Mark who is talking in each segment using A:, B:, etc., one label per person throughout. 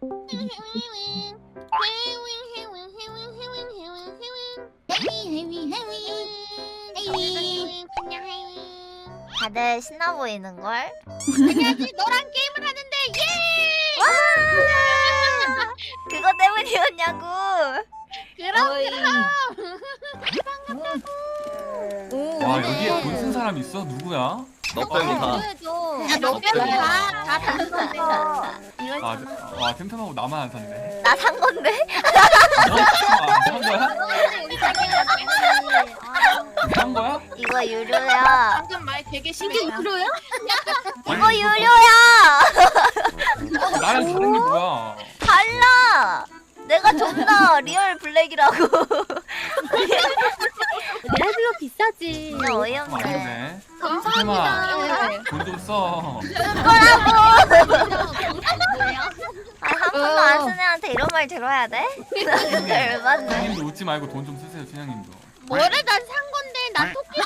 A: 다들 신나 보이는걸?
B: 안녕하지 너랑 게임을 하는데 예!
A: 와! 그거 때문이었냐고.
C: 와 여기에 돈 쓴 사람 있어? 누구야?
D: 너 빼고 다.
B: 너 빼고 다 다른 건데.
C: 와 템템하고 나만 안 샀네.
A: 나 산 건데?
C: 산 거야? 산 거야?
A: 이거 유료야.
B: 방금 말 되게 심했다. 유료야?
A: 이거 유료야.
C: 나랑 다른 게 뭐야?
A: 달라. 내가 좀 더 리얼 블랙이라고.
B: 레벨로 비싸지.
A: 진짜
C: 좀
A: 어이없네.
C: 아니네.
B: 감사합니다.
C: 돈 좀 써.
A: 거라고. 한 번도 안 쓴 애한테 이런 말 들어야 돼? 진짜 열받네.
C: 춘향님도 웃지 말고 돈 좀 쓰세요, 춘향님도.
B: 뭐래 난 산 건데 나 토끼도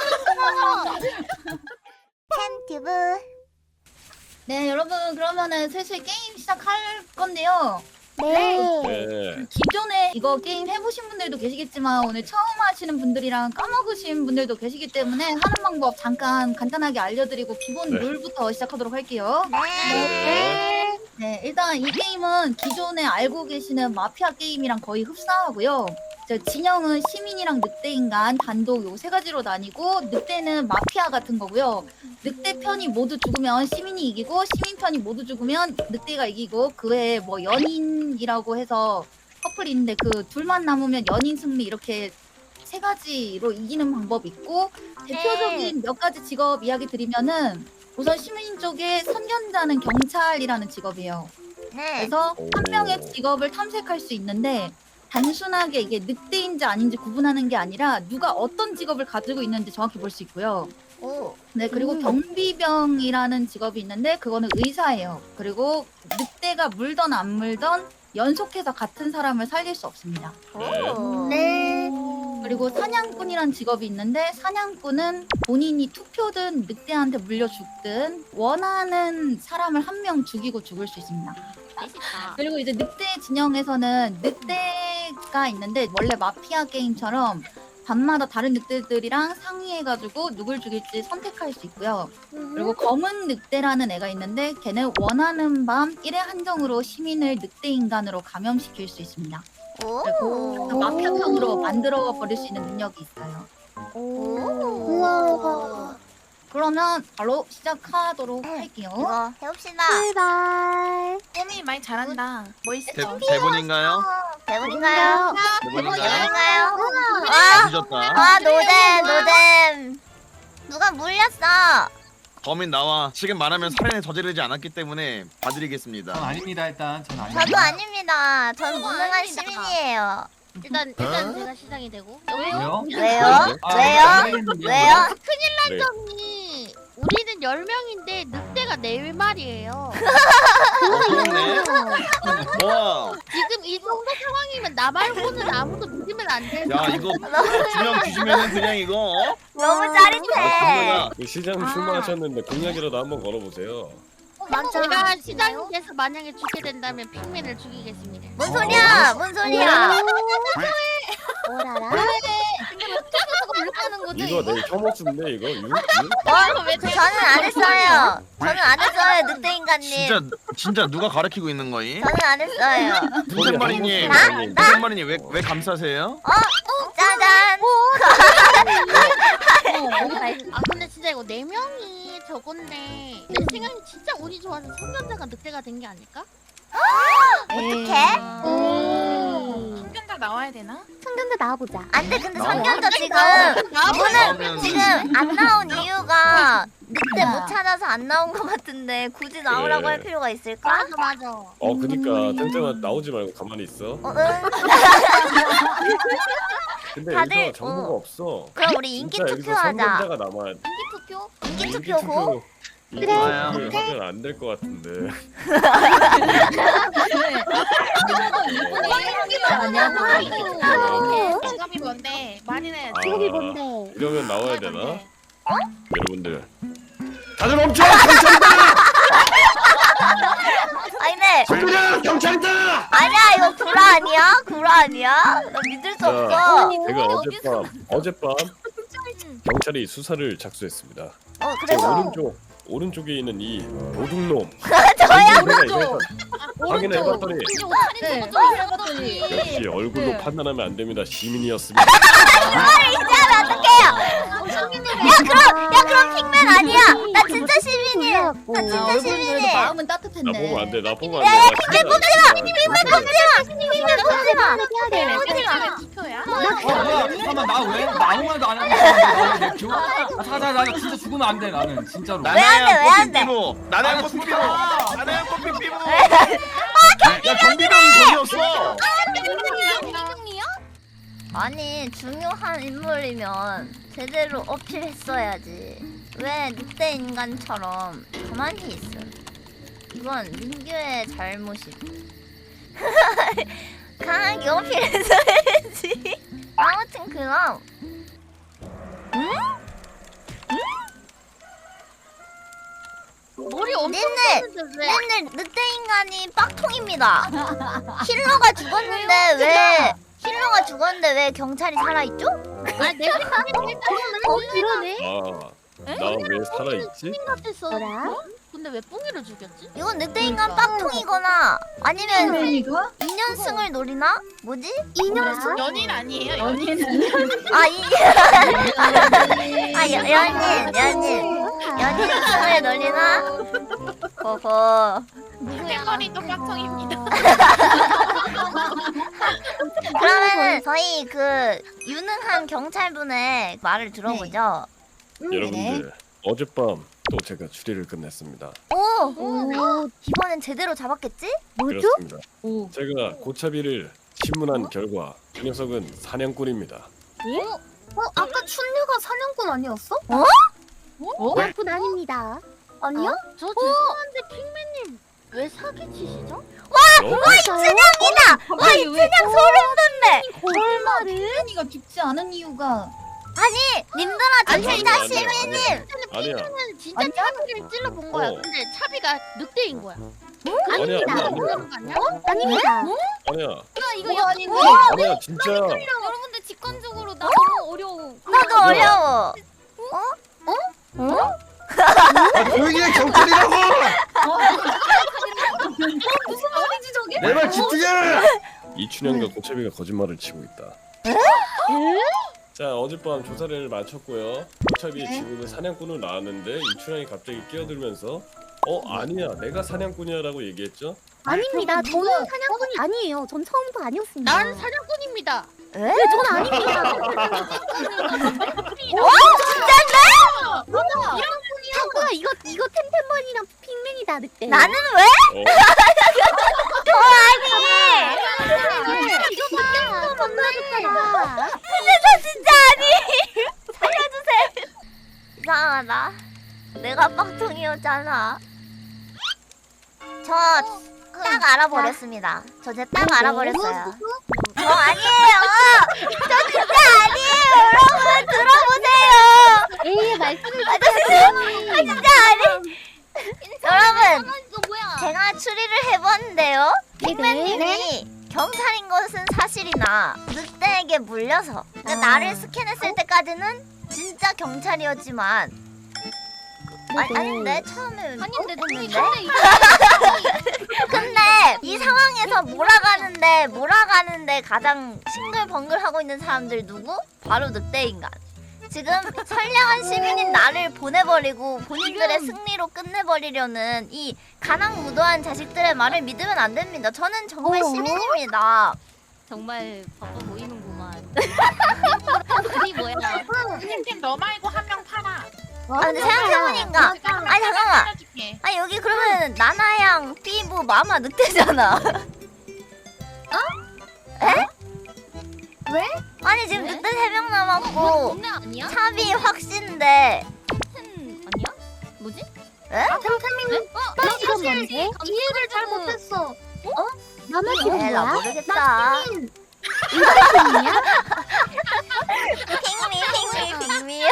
A: 템튜브.
E: 네, 여러분 그러면은 슬슬 게임 시작할 건데요.
A: 네.
E: 기존에 이거 게임 해보신 분들도 계시겠지만 오늘 처음 하시는 분들이랑 까먹으신 분들도 계시기 때문에 하는 방법 잠깐 간단하게 알려드리고 기본 룰부터 시작하도록 할게요. 네, 일단 이 게임은 기존에 알고 계시는 마피아 게임이랑 거의 흡사하고요. 진영은 시민이랑 늑대인간 단독 요 세 가지로 나뉘고 늑대는 마피아 같은 거고요. 늑대 편이 모두 죽으면 시민이 이기고 시민 편이 모두 죽으면 늑대가 이기고 그 외에 뭐 연인이라고 해서 커플이 있는데 그 둘만 남으면 연인 승리 이렇게 세 가지로 이기는 방법이 있고 대표적인 몇 가지 직업 이야기 드리면은 우선 시민 쪽에 선견자는 경찰이라는 직업이에요.
A: 네.
E: 그래서 한 명의 직업을 탐색할 수 있는데 단순하게 이게 늑대인지 아닌지 구분하는 게 아니라 누가 어떤 직업을 가지고 있는지 정확히 볼 수 있고요.
A: 오.
E: 네, 그리고 경비병이라는 직업이 있는데 그거는 의사예요. 그리고 늑대가 물던 안 물던 연속해서 같은 사람을 살릴 수 없습니다.
A: 오.
B: 네.
E: 그리고 사냥꾼이란 직업이 있는데 사냥꾼은 본인이 투표든 늑대한테 물려 죽든 원하는 사람을 한 명 죽이고 죽을 수 있습니다. 그리고 이제 늑대 진영에서는 늑대가 있는데 원래 마피아 게임처럼 밤마다 다른 늑대들이랑 상의해가지고 누굴 죽일지 선택할 수 있고요. 그리고 검은 늑대라는 애가 있는데 걔는 원하는 밤 1회 한정으로 시민을 늑대 인간으로 감염시킬 수 있습니다. 그리고
A: 오.
E: 마피아형으로 만들어 버릴 수 있는 능력이 있어요.
A: 우와.
E: 그러면 바로 시작하도록 할게요.
A: 이거 해봅시다.
B: 출발.
F: 쌤이 많이 잘한다. 뭐 있어?
D: 대본인가요?
A: 대본인가요?
D: 대본인가요?
A: 대본인가요?
D: 아, 늦었다.
A: 와 노잼. 누가 물렸어?
D: 범인 나와. 지금 말하면 살인을 저지르지 않았기 때문에
C: 전
D: 봐드리겠습니다.
C: 아닙니다 일단. 전 아닙니다.
A: 저도 아닙니다. 전
B: 저도
A: 무능한
B: 아닙니다.
A: 시민이에요.
B: 일단 제가 시작이 되고.
C: 왜요?
A: 왜요?
C: 아,
A: 왜요?
C: 모르겠는데요.
A: 왜요?
G: 네.
B: 점이 우리는 10명인데 늑대가 4마리예요.
D: 그렇네. 와,
B: 지금 이 정도 상황이면 나 말고는 아무도 믿으면 안 돼.
D: 야 이거 2명 주시면은 그냥 이거 어?
A: 너무 짜릿해.
D: 정말
G: 시장님 출마하셨는데 공약이라도 한번 걸어보세요.
B: 제가 시장이 돼서 만약에 죽게 된다면 핑맨을 죽이겠습니다.
A: 뭔 소리야? 뭔 소리야?
B: 뭐라라?
E: 하는 거지.
G: 이거 내 혐오수인데 이거
A: 저는 안 했어요. 저는 안 했어요, 늑대 인간님.
D: 진짜 누가 가르치고 있는 거임?
A: 저는 안 했어요.
D: 도전마리님,
A: 나?
D: 도전마리님 왜 감싸세요?
A: 짜잔.
B: 아 근데 진짜 이거 4명이 저건데 내 생각에 진짜 운이 좋아서 성전자가 늑대가 된 게 아닐까?
A: 어떡해?
F: 성견자 나와야 되나?
B: 성전자 나와보자.
A: 안 돼, 근데
D: 나와.
A: 성견자 지금
D: 나오면
A: 지금 안 나온 이유가 늑대 못 찾아서 안 나온 것 같은데 굳이 나오라고
G: 네.
A: 할 필요가 있을까?
B: 맞아.
G: 그니까 템템아 나오지 말고 가만히 있어.
A: 어, 응.
G: 근데
A: 다들,
G: 여기서 정보가 없어.
A: 그럼 우리 인기
G: 진짜 여기서
A: 투표하자.
G: 선전자가 남아야 돼.
B: 투표?
A: 인기 투표고.
G: 그래.
D: 좋아요.
G: 하면 안 될 것 같은데.
F: 직업이 뭔데? 많이 내야지.
G: 직업이
B: 뭔데?
G: 이러면 나와야 되나?
F: 뭔데?
G: 여러분들 다들 멈춰! 경찰이다!
A: 아니 근데
H: 그냥 경찰이다.
A: 아니야 이거 구라 아니야? 구라 아니야? 나 믿을 수 없어.
G: 제가 어젯밤 경찰이 수사를 작수했습니다. 제
A: 그래서
G: 오른쪽에 있는 이 도둑놈
A: 저야
G: 오른쪽 확인해봤더니
E: 이제 옷차림 좀 어쩌고 해봤더니
G: 역시 얼굴로 판단하면 안 됩니다. 시민이었습니다.
A: 이제하면 어떡해요? 야 그럼 핑맨 아니야. 나 진짜 시민이야. 나 진짜
E: 얼굴은
A: 시민이야.
E: 마음은
G: 나
E: 따뜻했네.
G: 보면 안 돼. 나 보면 안 돼. 나 진짜
A: 핑맨 보지 마. 핑맨 보지 마.
F: 왜 투표야?
C: 뭐야? 잠깐만 나 왜? 나 아무 말도 안 했는데 내 표? 나 진짜 죽으면 안 돼 나는 진짜로.
A: 왜 안 돼?
D: 나나야
C: 나
D: 꽃피피로.
C: 죽여.
D: 나나야 꽃피피로. 야 경비병이 돈이었어.
A: 아니 중요한 인물이면 제대로 어필했어야지. 왜 늑대 인간처럼 가만히 있어? 이건 민규의 잘못이. 강하게 어필했어야지. 아무튼 그럼.
B: 머리 엄청
A: 네.
B: 썼는데 왜?
A: 맨날 늑대 인간이 빡통입니다. 힐러가 죽었는데 왜 경찰이 살아있죠?
B: 아 내가 생각해. 그러네.
G: 나 왜 살아있지?
B: 같았어. 근데 왜 뿡이를 죽였지?
A: 이건 늑대 인간 빡통이거나 아니면
E: 팬이가?
A: 인연승을 노리나? 뭐지?
B: 인연승?
F: 연인 아니에요?
A: 아 연인승을 노리나? 호호.
F: 땡머리 또 깍청입니다.
A: 그러면은 저희 그 유능한 경찰분의 말을 들어보죠.
G: 여러분들 어젯밤 또 제가 추리를 끝냈습니다.
A: 오! 이번엔 제대로 잡았겠지?
G: 그렇습니다. 제가 고차비를 신문한 결과 그 녀석은 사냥꾼입니다.
B: 아까 춘류가 사냥꾼 아니었어?
E: 사냥꾼 아닙니다.
B: 아니야? 저 죄송한데 핑맨님 왜 사기치시죠?
A: 춘향이다! 와, 이 춘향 소름 돋네!
E: 거짓말을? 팬이가 죽지 않은 이유가
A: 아니, 님들아, 저 진짜
G: 아니야,
A: 시민님!
G: 아니야.
B: 핑맨은 진짜
E: 아니야?
B: 차비를 찔러본 거야.
G: 어.
B: 근데 차비가 늑대인 거야.
G: 아니야.
B: 아닙니다.
G: 아니야.
E: 이거 아닌데.
G: 아니야 진짜.
E: 여러분들 직관적으로 나 너무 어려워.
A: 나도 어려워.
H: 조용히 해 경찰이라고.
E: 무슨 말인지 저게?
H: 내 말 집중해.
G: 이춘향과 고차비가 거짓말을 치고 있다. 자 어젯밤 조사를 마쳤고요. 고차비 지금은 사냥꾼으로 나왔는데 이춘향이 갑자기 끼어들면서 아니야 내가 사냥꾼이야라고 얘기했죠.
E: 아닙니다. 저는 사냥꾼이 아니에요. 전 처음부터 아니었습니다.
B: 난 사냥꾼입니다.
A: 에?
E: 전 아닙니다.
B: 사쿠야 이거 템템머니랑 핑맨이다 늑대.
A: 나는 왜?
B: 이거 늑대가 건너줬잖아.
A: 근데 저 진짜 아니! 살려주세요. 이상하다. 내가 빡통이었잖아. 저 딱 알아버렸습니다. 저 딱 알아버렸어요. 저 아니에요! 저 진짜 아니에요! 여러분 들어보세요!
B: 에이 말씀을
A: 저 진짜 아니! 여러분!
B: 이거 뭐야?
A: 제가 추리를 해봤는데요. 핑맨님이 경찰인 것은 사실이나 늑대에게 물려서 그러니까 나를 스캔했을 때까지는 진짜 경찰이었지만 아닌데 처음에
E: 아닌데
A: 했는데? 근데 이 상황에서 몰아가는데 가장 싱글벙글하고 있는 사람들 누구? 바로 늑대인간. 지금 선량한 시민인 나를 보내버리고 본인들의 승리로 끝내버리려는 이 가난무도한 자식들의 말을 믿으면 안 됩니다. 저는 정말 시민입니다.
E: 정말 바빠 보이는구만.
B: 이 뭐야?
F: 팀팀 너 말고 한 명 팔아.
A: 아 근데 생각해보니까 아니 잠깐만.
F: 살려줄게.
A: 아니 여기 그러면 나나양, 삐부, 마마 늑대잖아. 에?
B: 왜?
A: 아니 지금 늑대 3명 남았고
E: 동네 아니야?
A: 차비 확신데
E: 아니야? 뭐지?
A: 에?
B: 템템이 나 이거 뭔데? 이해를 잘 못했어. 나만
A: 에라 모르겠다.
B: 인간이야?
A: 핑미요.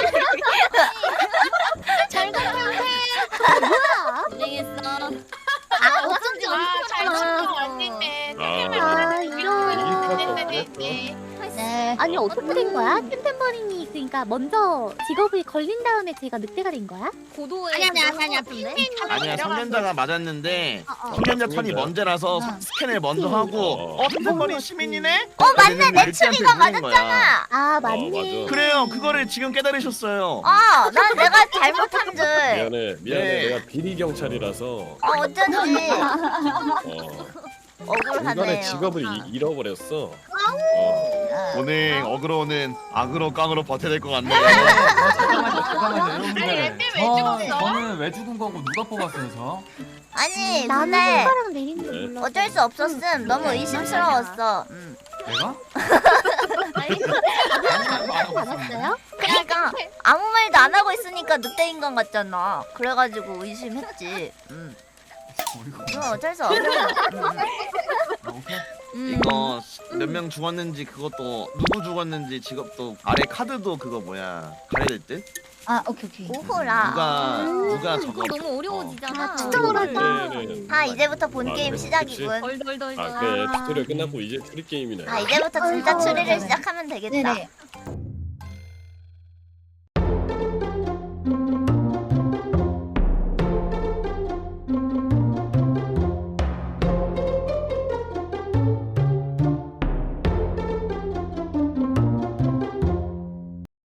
B: 잘 가요.
E: 고생했어.
B: 어쩐지
F: 잘
B: 언니잖아.
F: 왔는데.
G: 아,
F: 이런.
E: 네.
I: 아니 어떻게 된 거야? 템템버린이 있으니까 먼저 직업을 걸린 다음에 제가 늑대가 된 거야?
E: 고도의
B: 아니야.
D: 아니야 성년자가 맞았는데
I: 어.
D: 성년자 턴이 먼저라서 스캔을 먼저 하고 템템버린 시민이네?
A: 맞네. 내 추리가
D: 거야.
A: 맞았잖아.
I: 아
G: 맞아.
D: 그래요 그거를 지금 깨달으셨어요.
A: 난 내가 잘못한 줄.
G: 미안해
D: 네.
G: 내가 비리 경찰이라서
A: 어쩐지
G: 중간에
A: 억울하네요.
G: 직업을 잃어버렸어.
D: 오늘 어그로는 악으로 깡으로 버텨야 될 것 같네요.
C: 잠깐만요 여러분들.
F: 아니, 왜 죽었어?
C: 저는 왜 죽은 거고 누가 뽑았어요 저?
A: 아니
I: 나는
A: 근데
I: 손가락 내리는 거
F: 네.
I: 몰라.
A: 어쩔 수 없었음. 너무 의심스러웠어.
C: 내가?
I: 알았어요?
A: 그러니까 아무 말도 안 하고 있으니까 늑대 인간 같잖아. 그래가지고 의심했지. 그럼 어쩔 수 없어.
C: 오케이.
D: 이거 몇 명 죽었는지 그것도 누구 죽었는지 직업도 아래 카드도 그거 뭐야 가려질 듯?
E: 아 오케이.
A: 오호라.
D: 누가 저거
E: 너무 어려워지잖아.
I: 진짜 어렵다.
A: 이제부터 본
G: 아,
A: 게임
G: 그래,
A: 시작이군.
E: 덜덜덜.
G: 아 그래 튜토리얼 끝났고 이제 추리 게임이네.
A: 이제부터 진짜 추리를 시작하면 되겠다.
E: 네네.